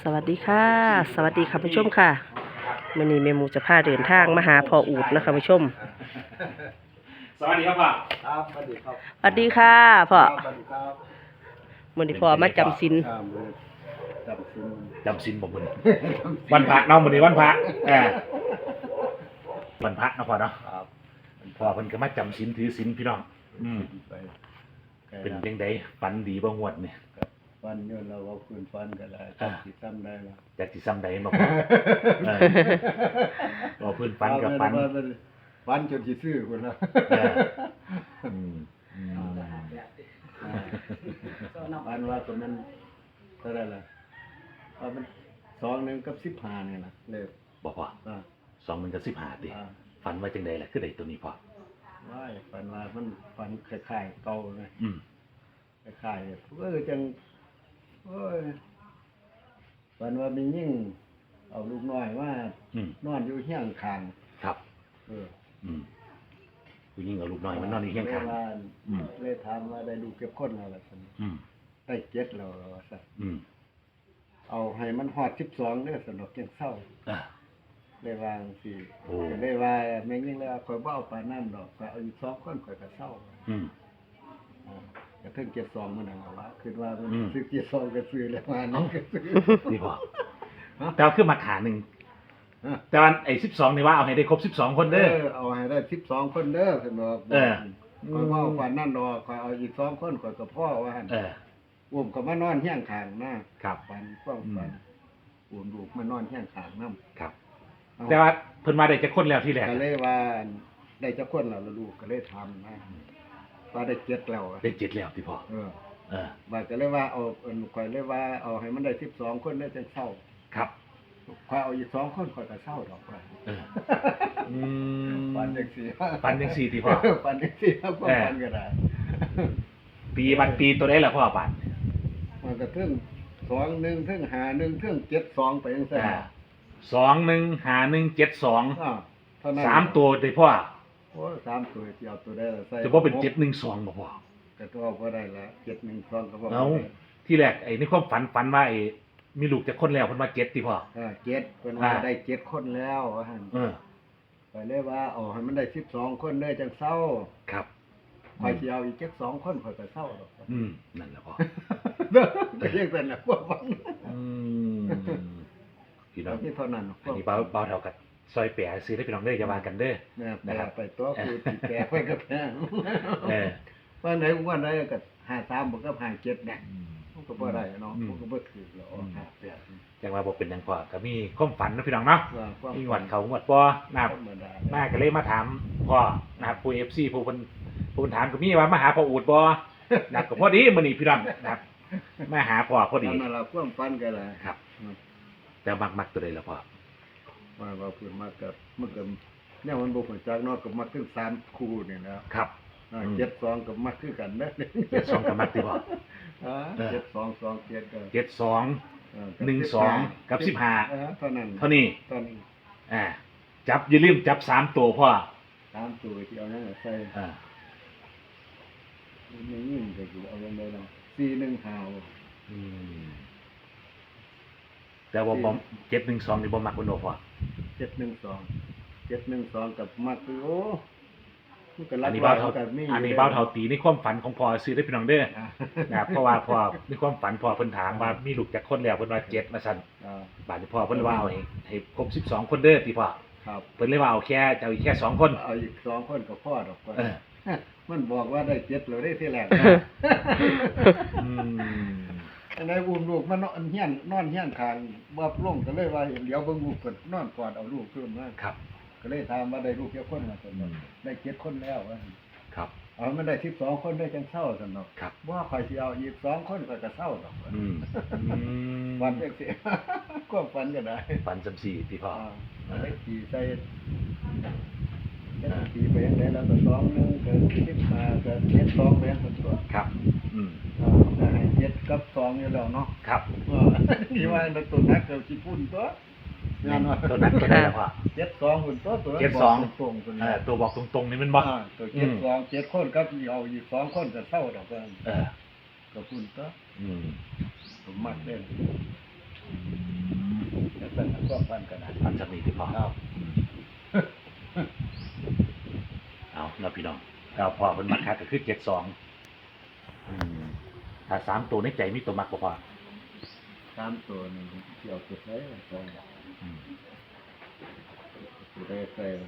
สวัสดีค่ะสวัสดีค่ะผู้ชมค่ะมื้อนี้แม่หมูจะพาเดินทางมาหาพ่ออูดนะคะผู้ชมสวัสดีครับพ่อครับสวัสดีครับสวัสดีค่ะพ่อสวัสดีครับมื้อนี้พ่อมาจำศีลมือจำซินจำศีลบ่มื้อนี้วันพระเนาะมื้อนี้วันพระวันพระเนาะพ่อเนาะครับพ่อเพิ่นก็มาจำศีลถือศีลพี่น้องไปเป็นจังไดฝันดีบ่งวดนี่ฟันย้อนเราเอาคืนฟันกันแล้วจักสิซ้ำได้แล้วจักสิซ้ำใดมาพ่อบ่เพิ่นฝันกับฝันฟันจนสิซื้อพุ่นล่ะฟันว่าก็มันเท่าไหร่ล่ะว่ามัน2 กับ 15นี่ล่ะเลขบ่พ่อ2มันก็15ติฝันว่าจังไดล่ะคือได้ตัวนี้พ่อว้ายฝันว่ามันฝันคล้ายๆเก่าเลยคล้ายๆจังโอ้ยฝันว่ามียิ่งเอาลูกน้อยว่านอนอยู่เฮียงข้างครับผู้หญิงเอาลูกน้อยมันนอนอยู่เฮียงข้างเลยถามว่าได้ลูกเก็บคนแล้วล่ะซั่นได้7แล้วว่าซั่นเอาให้มันฮอด12เด้อสนุกจังเศร้าเลยวางสิเลยว่าแม่ยิ่งแล้วข่อยบ่เอาปานนั้นดอกข่อยเอาอยู่2คนข่อยก็เศร้าก็ถึง72มื้อนั้นว่าคิดว่ามันซื้อ72ก็ซื้อแล้วว่านี่ก็ซื้อนี่บ่แต่คือมาขานึงแต่ว่าไอ้12นี่ว่าเอาให้ได้ครบ12คนเด้อเอาให้ได้12คนเด้อสนุกข่อยบ่เอาปานนั้นดอกข่อยเอาอีก2คนข่อยก็พอว่าหั่นอุ้มก็มานอนเฮียงข้างนะครับฝันความฝันอุ้มลูกมานอนเฮียงข้างนำครับแต่ว่าเพิ่นมาได้จักคนแล้วที่แรกก็เลยว่าได้จักคนแล้วลูกก็เลยทำนะว่าได้7แล้วได้7แล้วที่พ่อว่าก็เลยว่าเอาข่อยเลยว่าเอาให้มันได้12คนได้จังเศร้าครับข่อยเอาอีก2คนข่อยก็เศร้าดอกว่าปันจังซี่ปันจังซี่ที่พ่อปันจังซี่ครับปันก็ได้ปีวันปีตัวใดล่ะพ่อปันมันก็ถึง21ถึง51ถึง72ไปจังซี่ 215172 3ตัวได้พ่อโอ้3ตัวสิเอาตัวได้ล่ะใส่จะบ่เป็น712บ่พ่อก็ตัวบ่ได้ละ712ก็บ่เอาที่แรกไอ้ในความฝันว่าไอ้มีลูกจักคนแล้วเพิ่นว่า7ติพ่อ 7เพิ่นว่าได้7คนแล้วว่าหั่นก็เลยว่าเอาให้มันได้12คนเด้อจังเศร้าครับข่อยสิเอาอีกจัก2คนข่อยก็เศร้าดอกนั่นแหละพ่อก็ยังเป็นน่ะพวกมันพี่น้องที่เท่านั้นอันนี้เบาเท่ากับซอยแปะซื้อได้พี่น้องเด้ออย่าว่ากันเด้อนะครับไปตัวคือแปะไปก็แพงว่าไหนวันใดก็53บ่กับ57เนี่ยมันก็บ่ได้เนาะมันก็บ่ถูกแล้ว58 จังว่าบ่เป็นหยังพ่อก็มีความฝันนะพี่น้องเนาะมีหวัดเขาหวัดบ่นะครับมาก็เลยมาถามพ่อนะครับผู้ FC ผู้เพิ่นถามก็มีว่ามาหาพ่ออูดบ่นะครับก็พอดีมื้อนี้พี่น้องนะครับมาหาพ่อพอดีนั่นล่ะความฝันก็ได้ครับแต่มักตัวใดล่ะพ่อว่าเพิ่นมักกับมันก็แนวมันบ่ฮู้จักเนาะก็มักถึง3คู่นี่นะครับ72ก็มักคือกันเด้อ 72ก็มักติบ่ 72 27ก็ 72 12กับ15 เท่านั้นจับอย่าลืมจับ3ตัวพ่อ 3ตัวที่เอานั่นใส่ไม่ยิ่งก็สิเอาลงได้ล่ะแต่ว่าบ่712นี่บ่มักบ่โนพ่อ 712กับมักคือโอ้มันก็รักอันนี้เบาเท่าตีในความฝันของพ่อซื้อได้พี่น้องเด้อนะครับเพราะว่าพ่อในความฝันพ่อเพิ่นถามว่ามีลูกจักคนแล้วเพิ่นว่า7ว่าซั่นบาดนี้พ่อเพิ่นว่าเอาให้ครบ12คนเด้อติพ่อครับเพิ่นเลยว่าเอาแค่จะเอาอีกแค่2คนเอาอีก2คนก็พอดอกมันบอกว่าได้7แล้วได้ที่แรกอันไหนอุ้มลูกมันนอนเฮียนข้างบ่ลงก็เลยว่าเดี๋ยวเบิ่งลูกเพิ่นนอนกอดเอาลูกขึ้นมาครับก็เลยถามว่าได้ลูกกี่คนว่าซั่นได้7คนแล้วว่าครับเอามันได้12คนได้จังเศร้าซั่นเนาะครับว่าข่อยสิเอาอีก2คนก็เศร้าดอกวันจังซี่ก็ฝันก็ได้ฝันจังซี่พี่พ่อได้ขี่ใส่ขี่ไปจังได๋แล้วก็21ก็15ก็72ไปจังซั่นตัวครับให้7กับ2อยู่แล้วเนาะครับนี่ว่าตัวนักก็สิพุ่นตัวงานว่าตัวนักตัวได้แล้วพ่อ 72พุ่นตัว 72ตรงตัวบอกตรงๆนี่มันบ่ตัว72 7คนกับเอาอีก2คนก็เศร้าดอกก็พุ่นตัวผมมักเด้ฟันกันนะฟันสำนีที่พอครับเอาเราพี่น้องเราพอมันมาคัดก็คือ72ถ้า3ตัวในใจมีตัวมักบ่พอตามตัวนี่เกี่ยวกับอะไรตรงอืมตัวได้ใส่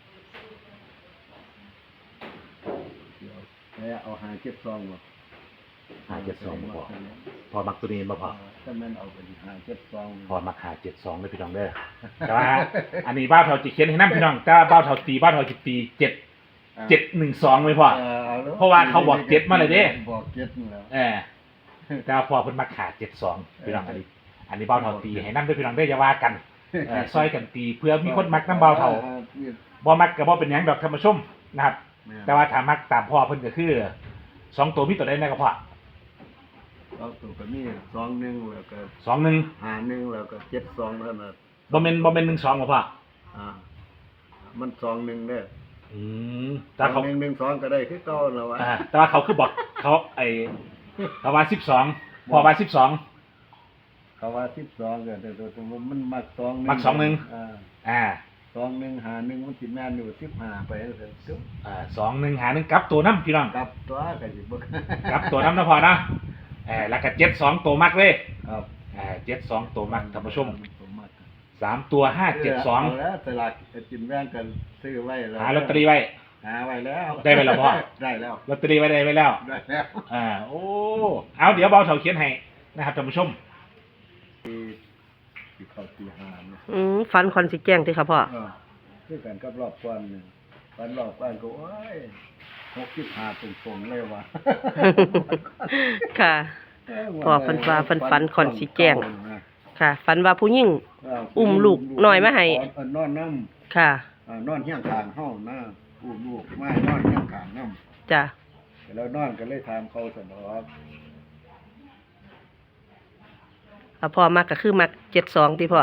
เกี่ยวแล้วเอา572บ่ 572บ่พอพอมักตัวนี้บ่พอถ้ามันเอาไป572 พอมัก572เลยพี่น้องเด้อแต่ว่าอันนี้บ้าวเฒ่าจิเขียนให้นำพี่น้องแต่ว่าบ้าวเฒ่าจิตี712ไว้พอ เพราะว่าเขาบอก7มาเลยเด้บอก7นี่แล้วแต่ว่าพอเพิ่นมัก72พี่น้องอันนี้บ้าวเฒ่าตีให้นำด้วยพี่น้องเด้ออย่าว่ากันซอยกันตีเพื่อมีคนมักนำบ้าวเฒ่าบ่มักก็บ่เป็นหยังดอกท่านผู้ชมนะครับ แต่ว่าถ้ามักตามพ่อเพิ่นก็คือ2ตัวมีตัวใดแน่ก็พอเอาตัวก็มี21แล้วก็ 21 51แล้วก็72เท่านั้นบ่แม่น12บ่พ่อมัน21เด้อแต่เขา 2112ก็ได้คือเก่าแล้ววะแต่ว่าเขาคือบอกเขาเขาว่า12พอว่า12 เขาว่า12ก็แต่ตัวมันมัก21 มัก21 2151มันสิแม่นอยู่15ไปจังซั่นตึ๊บ 21หา1กลับตัวนํพี่น้องกลับตัวก็สิบ่กลับตัวนํนะพ่อนะแล้วก็72ตัวมักเลยครับ 72ตัวมักท่านผู้ชมตัวมัก 3ตัว572 แล้วตลาดกินแบ่งกันซื้อไว้แล้วหาลอตเตอรี่ไว้หาไว้แล้วได้ไว้แล้วพ่อได้แล้วลอตเตอรี่ไว้ได้ไว้แล้วได้แล้วโอ้เอาเดี๋ยวเบาเถาเขียนให้นะครับท่านผู้ชมที่เข้าตี5เนี่ยฟันคอนสิแจ้งติค่ะพ่อคือกันกับรอบก่อนนี่ฟันรอบก่อนก็โอ้ย65ตรงๆเลยว่ะค่ะ พ่อเพิ่นว่าเพิ่นฝันคอนสิแจ้ง ค่ะฝันว่าผู้หญิง อุ้มลูกน้อยมาให้นอนน้ค่ะำนอนเฮียงข้างเฮานะอุ้มลูกมานอนเฮียงข้างน้จ้ะำแล้วนอนก็เลยถามเขาสนอกพ่อมักก็คือมัก72ติพ่อ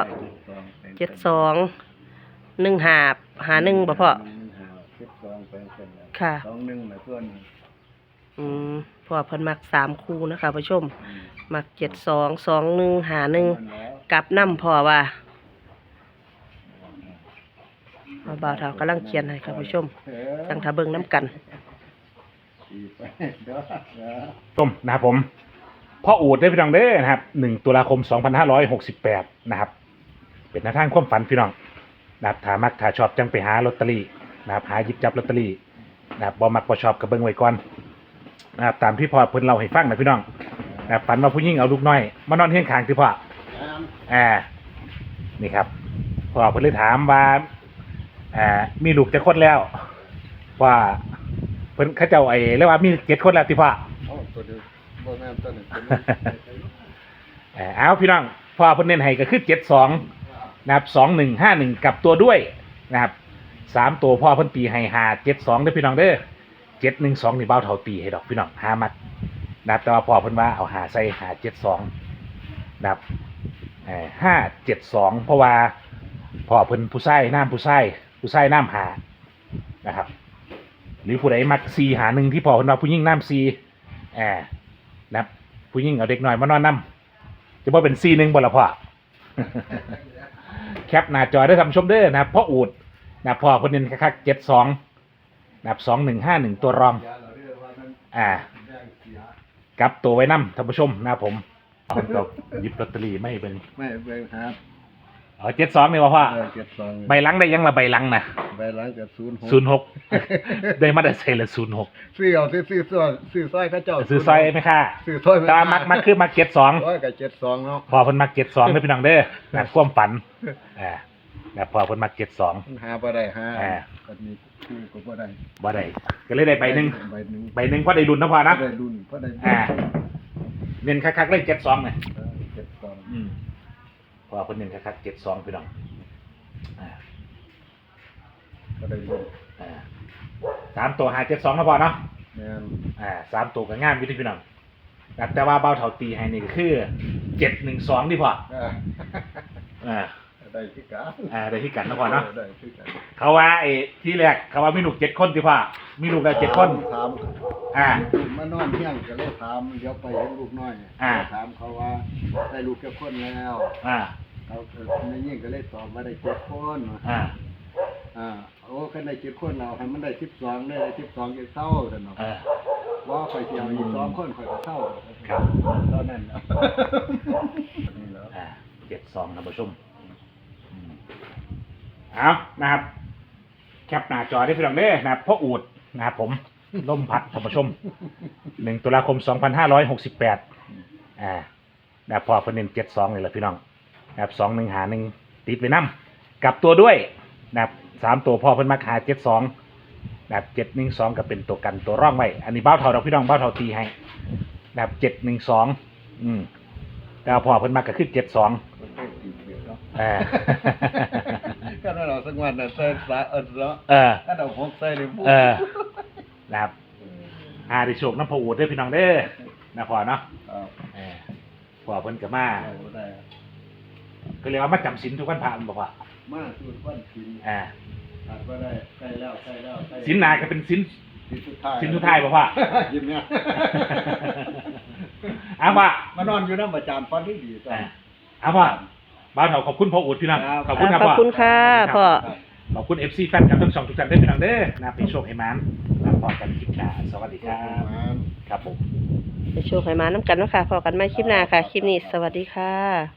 72 1551บ่พ่อ 12ไปเสร็จแล้วค่ะ 21น่ะส่วนนี้พ่อเพิ่นมัก3คู่นะคะผู้ชม มัก72 21 51กลับนำพ่อว่าบ่าวเฒ่ากำลังเขียนให้ค่ะผู้ชมจังถ้าเบิ่งน้ำกันดีไปเด้อต้มนะครับผมพ่ออูดได้พี่น้องเด้อนะครับ1ตุลาคม2568นะครับเป็นหน้าทางความฝันพี่น้องนะครับถ้ามักถ้าชอบจังไปหาลอตเตอรี่นะครับหาหยิบจับลอตเตอรี่นะครับบ่มักบ่ชอบก็เบิ่งไว้ก่อนนะครับตามที่พ่อเพิ่นเล่าให้ฟังนะพี่น้องนะครับฝันว่าผู้หญิงเอาลูกน้อยมานอนเฮียงข้างที่พ่อนี่ครับพ่อเพิ่นเลยถามว่ามีลูกจะคนแล้วว่าเพิ่นเขาเจ้าเรียกว่ามี7คนแล้วที่พ่อเอาตัวเดียวบ่แม่นตัวหนึงเอาพี่น้องพ่อเพิ่นเน้นให้ก็คือ72นะครับ2151กลับตัวด้วยนะครับ3ตัวพ่อเพิ่นตีให้572เด้อพี่น้องเด้อ712นี่เบาเท่าตีให้ดอกพี่น้อง5มัดนะครับแต่ว่าพ่อเพิ่นว่าเอา5ใส่572นะครับ572เพราะว่าพ่อเพิ่นผู้ชายน้ำหานะครับหรือผู้ใดมัก4หา1ที่พ่อเพิ่นว่าผู้หญิงน้ำ4นะครับผู้หญิงเอาเด็กน้อยมานอนน้ำจะบ่เป็น4-1บ่ล่ะพ่อ แคปหน้าจอได้ทำชมเด้อนะครับพ่ออูดนะพ่อเพิ่นเน้นคักๆ72นะครับ2151ตัวรองกลับตัวไว้นำท่านผู้ชมนะครับผมเอาก็หยิบลอตเตอรี่ไม่เบิ่งไม่ไปหา 72นี่ว่าพ่อ 72 ใบหลังได้ยังละใบหลังนะใบหลังกับ06 ได้มาได้ใส่ละ06 ซื้อเอาซื้อซอยเขาเจ้าซื้อซอยไหมค่ะซื้อซอยแต่ว่ามักคือมัก72 โอ้ยก็72เนาะพอเพิ่นมัก72เด้อพี่น้องเด้อนะความฝันนะพอเพิ่นมัก72 หาบ่ได้หาอ่าก็มีคู่ก็บ่ได้บ่ได้ก็เลยได้ใบหนึงใบหนึงใบหนึงพอได้รุ่นนะพ่อนะได้รุ่นพอได้เน้นคักๆเลย72เนี่ย 72 พอเพิ่นเน้นคักๆ72พี่น้องก็ได้รุ่น 3ตัว572นะพ่อเนาะแม่น 3ตัวก็งามอยู่ที่พี่น้องแต่ว่าเบาเท่าตีให้นี่ก็คือ712ที่พ่อได้คือกันได้ที่กันนะพ่อเนาะได้คือกันเขาว่าที่แรกเขาว่ามีลูก7คนที่พ่อมีลูกแล้ว7คนถาม มานอนเที่ยงก็เลยถามเดี๋ยวไปเห็นลูกน้อยถามเขาว่าได้ลูกแค่คนแล้วอ่าก็เอาในยิ่งก็เลยตอบมาได้7คนว่ะ โอ้คันได้7คนเราให้มันได้12ได้12จะเศร้าซั่นเนาะว่าข่อยสิเอาอีก2คนข่อยก็เศร้าครับตอนนั้นเนาะนี่แหละ 72ท่านผู้ชมเอานะครับแคปหน้าจอได้พี่น้องเด้อนะครับพ่ออูดนะครับผมล่มพัดท่านผู้ชม1 ตุลาคม 2568นะครับพอเพิ่นเน้น72นี่แหละพี่น้องนะครับ21หา1ติดไว้นำกลับตัวด้วยนะครับ3ตัวพ่อเพิ่นมาหา72นะครับ712ก็เป็นตัวกันตัวร่องไว้อันนี้เบ้าเท่าดอกพี่น้องเบ้าเท่าตีให้นะครับ712แต่พอเพิ่นมาก็คือ72 มันต้องตีเบียดเนาะก็ก็เราสักวันน่ะใส่สาเนาะ ถ้าเราพกใส่เลยปุ๊บนะครับได้โชคน้ำพออูดด้วยพี่น้องเด้อนะพอเนาะพอเพิ่นก็มาเอาได้ก็เรียกว่ามาจำศีลทุกวันพระมันบอกว่ามาสูตรวันศีลอาจก็ได้ใกล้แล้วใกล้แล้วใกล้ศีลนาก็เป็นศีลศีลสุดท้ายศีลสุดท้ายบอกว่ายิ้มเนี่ยเอาว่ามานอนอยู่น้ำประจานฟันที่ดีจ้ะเอาว่าบ้านเราขอบคุณพ่ออูดพี่น้องครับขอบคุณครับขอบพ่อคุณค่ะพ่อขอบคุณ FC แฟนคลับทั้งสองทุกท่านด้วยพี่น้องเด้อนะพี่โชคให้มันนะพอกันคลิปหน้าสวัสดีครับครับผมไปโชว์ไขมาน้ำกันเนาะค่ะพอกันไม่คลิปหน้าค่ะ คลิปนี้สวัสดีค่ะ